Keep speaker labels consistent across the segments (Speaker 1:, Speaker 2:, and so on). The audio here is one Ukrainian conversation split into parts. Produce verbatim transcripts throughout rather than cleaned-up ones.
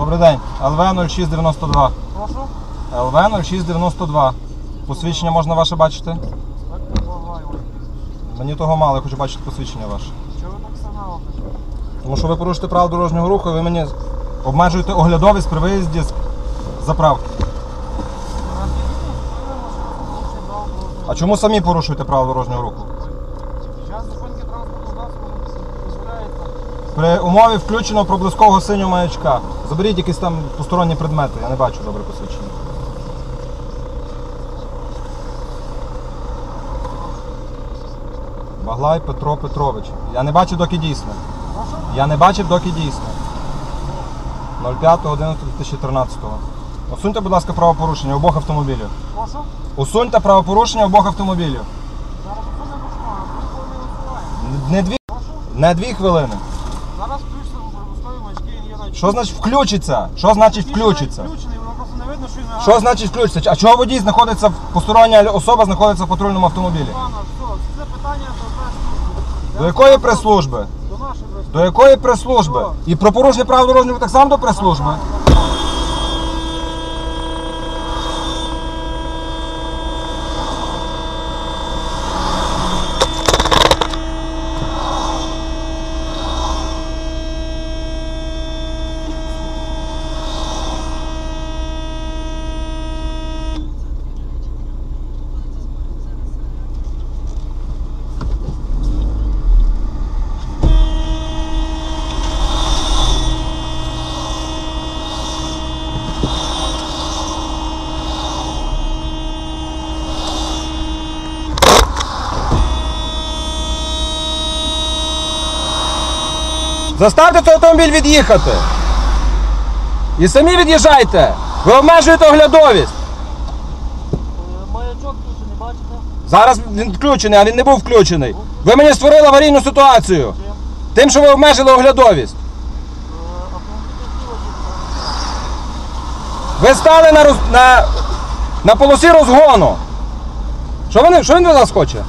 Speaker 1: Добрий день. Ел Ве нуль шість дев'яносто два.
Speaker 2: Прошу?
Speaker 1: Ел Ве нуль шість дев'яносто два. Посвідчення можна ваше бачити? Мені того мало, я хочу бачити посвідчення ваше.
Speaker 2: Чого ви так сигналите?
Speaker 1: Тому що ви порушите правила дорожнього руху і ви мені обмежуєте оглядовість при виїзді з заправки. А чому самі порушуєте правила дорожнього руху?
Speaker 2: Час зупинки транспортного засобу дозволяється.
Speaker 1: При умові включеного проблискового синього маячка. Заберіть якісь там посторонні предмети, я не бачу добре посвідчення. Баглай Петро Петрович. Я не бачив, доки дійсне. Я не бачив, доки дійсне. нуль п'ять одинадцятого дві тисячі тринадцятого. Усуньте, будь ласка, правопорушення обох автомобілів.
Speaker 2: Прошу?
Speaker 1: Усуньте правопорушення обох автомобілів.
Speaker 2: Зараз усунемо бушмана, ми не усуваємо.
Speaker 1: Не дві,
Speaker 2: Прошу?
Speaker 1: не дві хвилини.
Speaker 2: Зараз включиться пробустові маячки, є навіть.
Speaker 1: Що значить включиться? Що значить включиться?
Speaker 2: Включений, воно просто не видно, що він мигає.
Speaker 1: Що значить включиться? А чого водій знаходиться, постороння особа знаходиться в патрульному автомобілі?
Speaker 2: Пана, все, це питання до прес-служби.
Speaker 1: До якої прес-служби?
Speaker 2: До нашої прес-служби.
Speaker 1: До якої прес-служби? І про порушення правил дорожнього руху так само до прес-служби? Заставте цей автомобіль від'їхати. І самі від'їжджайте. Ви обмежуєте оглядовість.
Speaker 2: Маячок тут не бачите?
Speaker 1: Зараз він включений, а він не був включений. Ви мені створили аварійну ситуацію. Тим, що ви обмежили оглядовість. Ви стали на, роз... на... на полосі розгону. Що, вони... що він від вас хоче?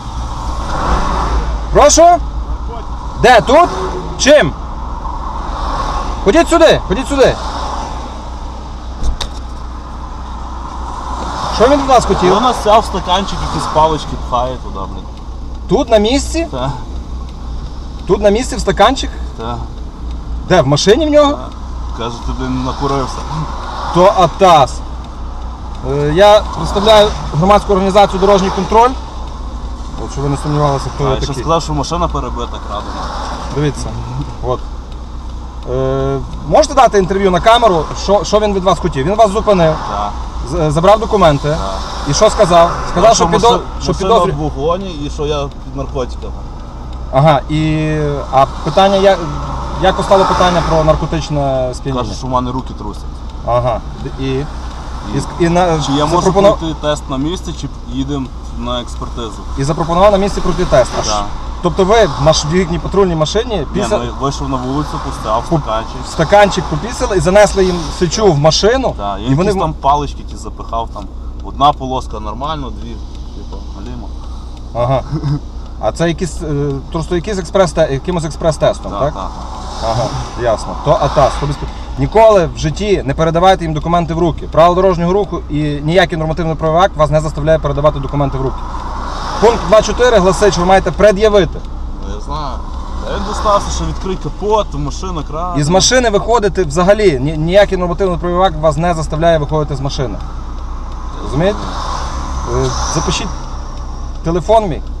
Speaker 1: Прошу? Де? Тут? Чим? Ходіть сюди, ходіть сюди. Що він від вас хотів?
Speaker 3: Вона взяв стаканчик, якісь палички пхає туди, блін.
Speaker 1: Тут на місці?
Speaker 3: Так,
Speaker 1: Тут на місці в стаканчик?
Speaker 3: так.
Speaker 1: Де? В машині в нього?
Speaker 3: Каже, ти, блін, накурився.
Speaker 1: То АТАС. Е, Я представляю громадську організацію «Дорожній контроль». От, щоб ви не сумнівалися, хто
Speaker 3: А
Speaker 1: я
Speaker 3: я ще
Speaker 1: такий.
Speaker 3: сказав, що машина перебита, крадена.
Speaker 1: Дивіться. От. Е, можете дати інтерв'ю на камеру, що, що він від вас хотів? Він вас зупинив,
Speaker 3: Так,
Speaker 1: з- забрав документи.
Speaker 3: так.
Speaker 1: І що сказав? Сказав, що, підо...
Speaker 3: машина
Speaker 1: що
Speaker 3: в
Speaker 1: підозрює.
Speaker 3: вогоні і що я під наркотиками.
Speaker 1: Ага, і а питання, як, як постало питання про наркотичне сп'яніння?
Speaker 3: Каже, що в мене руки трусять.
Speaker 1: Ага. І, і,
Speaker 3: І,
Speaker 1: і, на,
Speaker 3: чи я можу
Speaker 1: запропонував,
Speaker 3: пройти тест на місці, чи їдемо на експертизу?
Speaker 1: і запропонував на місці пройти тест. Аж,
Speaker 3: Так.
Speaker 1: тобто ви в маш- в їхній патрульній машині
Speaker 3: Ні,
Speaker 1: після...
Speaker 3: ну, вийшов на вулицю, поставив стаканчик.
Speaker 1: стаканчик попісили і занесли їм сечу в машину.
Speaker 3: Так, я
Speaker 1: і вони...
Speaker 3: якісь там палички ті запихав, там одна полоска нормально, дві, типу, галімо.
Speaker 1: Ага. А це якісь, е, просто якийсь експрес, якимось експрес-тестом, так?
Speaker 3: Так, так.
Speaker 1: Ага, ясно. То АТАС. То без... Ніколи в житті не передавайте їм документи в руки. Правила дорожнього руху і ніякий нормативно-правовий акт вас не заставляє передавати документи в руки. Пункт два чотири гласить, що ви маєте пред'явити.
Speaker 3: Ну, я знаю. Та він достався, що відкрий капот, машина крана.
Speaker 1: І з машини виходити взагалі. Ні- Ніякий нормативно-правовий акт вас не заставляє виходити з машини. Розумієте? Е, Запишіть телефон мій.